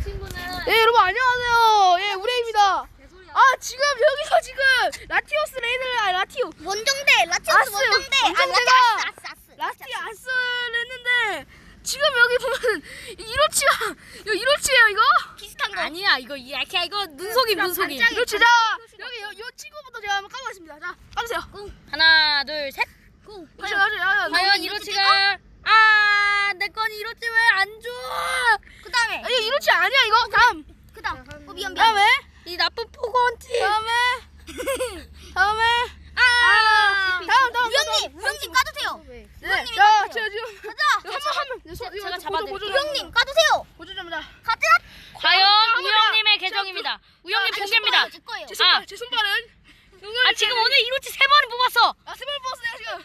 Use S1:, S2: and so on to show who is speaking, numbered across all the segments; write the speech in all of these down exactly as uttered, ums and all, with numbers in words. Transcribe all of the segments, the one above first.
S1: 친구는.
S2: 예, 여러분 안녕하세요. 예, 우레입니다. 아, 지금 여기서 지금 라티오스 레이드를 아, 라티오
S3: 원정대 라티오스
S2: 아스,
S3: 원정대
S2: 원정대가
S3: 아, 라티 아스 아스
S2: 라티 아스를 했는데 지금 여기 보면 이로치가 이거 이로치예요 이거?
S3: 비슷한 거
S1: 아니야 이거 이렇게 이거 눈속임 눈속임.
S2: 이로치. 자, 여기 요, 요 친구부터 제가 한번 까보겠습니다. 자, 까보세요.
S1: 하나 둘 셋.
S3: 고
S2: 이로치, 이로치, 이로치.
S1: 과연 이로치가 아내 건 이로치 왜 안 줘?
S3: 그 다음에
S2: 이거 이로치 아니야 이거. 다음.
S3: 그 다음 어 미안 미안
S2: 다음에
S1: 이 나쁜 포건티.
S2: 다음에 다음에
S1: 아.
S2: 다음 다음
S3: 우영님 우영님 까주세요
S2: 네. 자, 제가 지금
S3: 가자
S2: 한번한번
S1: 제가 잡아드릴게요.
S3: 우영님 까주세요
S2: 보조 좀 자.
S3: 가자
S1: 과연 우영님의 계정입니다. 우영님 공개입니다.
S3: 제 거예요
S2: 제 손발,
S1: 아.
S2: 제 손발은
S1: 아 지금 오늘 이로치 세 번을 뽑았어.
S2: 아, 세발 뽑았어요 지금.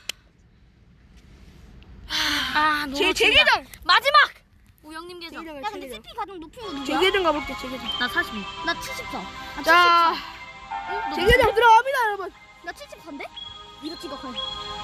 S1: 아
S2: 제, 제 계정.
S1: 마지막 우영님 계정.
S2: 제
S3: 야
S2: 계정,
S3: 근데
S2: 제
S3: 씨피 가장 높은 거
S2: 계정. 제
S3: 누구야?
S2: 계정 가볼게, 제 계정.
S1: 나 사십이.
S3: 나 칠십사 아,
S2: 자, 제 계정 들어갑니다, 여러분.
S3: 나 칠십사인데? 이렇지가 커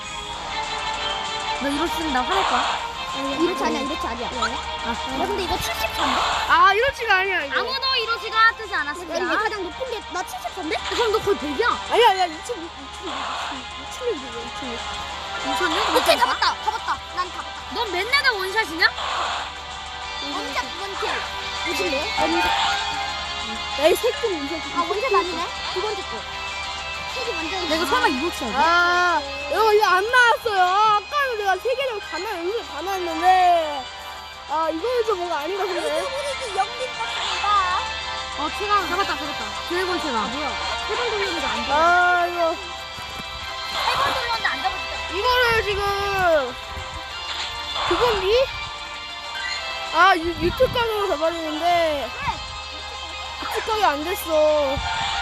S1: 너 이로치는 나 화낼 거야?
S3: 이렇지 아니야 이렇지 아니야 야 근데 이거 칠십사인데?
S2: 아, 이렇지가 아니야, 이거.
S1: 아무도 이로치가 뜨지
S3: 야
S1: 않았습니다.
S3: 이게 가장 높은 게 나 칠십사인데?
S1: 그럼 너 거의 백이야.
S2: 아니야, 아니야, 이천, 이천, 이천 년이야, 이천 년.
S1: 이천년?
S3: 오케이 다 봤다 다 봤다 난 다 봤다
S1: 넌 맨날 다 원샷이냐?
S3: 원작 원킬 무슨데요?
S2: 야, 이 새끼 이거.
S3: 아 원작 아니네? 두 번째 거 색이 완전
S1: 내가 설마 이로치 아니야?
S2: 아, 여러분, 이거 안 나왔어요. 아, 아까는 내가 세 계정 다 나, 연습 다 나왔는데. 아, 이거는 좀 뭔가 아닌가 싶네.
S3: 우리 영빈 떴습니다
S1: 어, 체가 잡았다, 잡았다. 드래곤 체가. 뭐야? 세번 돌렸는데 안 돼.
S2: 아, 이거.
S3: 세번 돌렸는데 안 잡았어
S2: 이거를 지금. 그건디? 아, 유, 유튜브 각으로 잡아주는데. 유튜브 각이 안 됐어.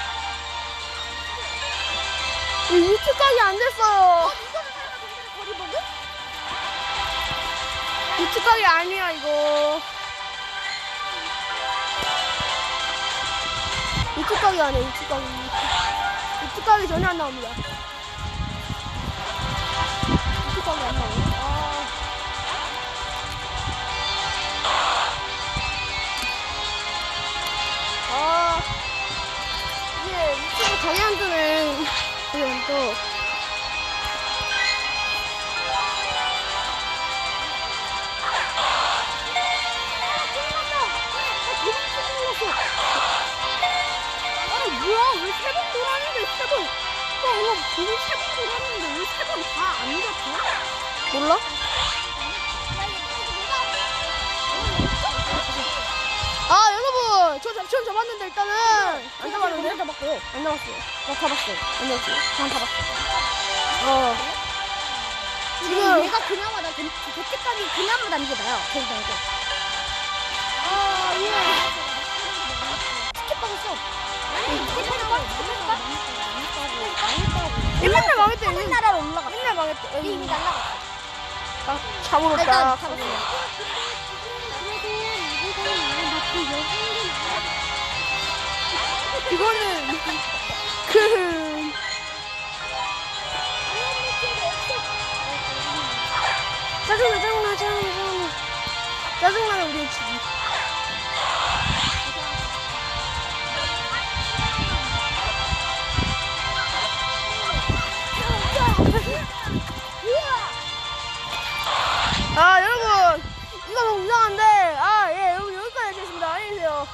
S2: 유튜브 각이 안 됐어요.
S3: 거리버그?
S2: 유튜브 각이 아니야, 이거. 유튜브 각이 아니야, 유튜브 각이. 유튜브 각이 전혀 안 나옵니다. 유튜브 각이 안 나와요. 아. 아. 이게 유튜브 각이 안 뜨네. 그럼 또. 아니 뭐야 왜 세 번 돌았는데 세 번. 어 이거 지금 세 번 돌았는데 왜 세 번 다 안 잡혀? 몰라? 아 여러분 저 잡, 전 잡았는데 일단은 안 잡았는데?
S3: 잡았고
S2: 안 잡았어요.
S3: 나 잡았어
S2: 안 잡았어요.
S3: 난 잡았어
S2: 어
S3: 지금
S2: 지금
S3: 얘가 그나마 나 그때까지 그나마 난 게 나야 거기다 이거
S2: 아 예.
S3: 티켓 받았어
S2: 맨날 망했대.
S3: 하늘 나라로 올라가
S2: 맨날 망했대.
S3: 이미 날라갔어
S2: 아, 잡으러
S3: 일단
S2: 딱.
S3: 잡았어
S2: 이거는 그 짜증나 짜증나 짜증나 짜증나 짜증나는 우리의 집이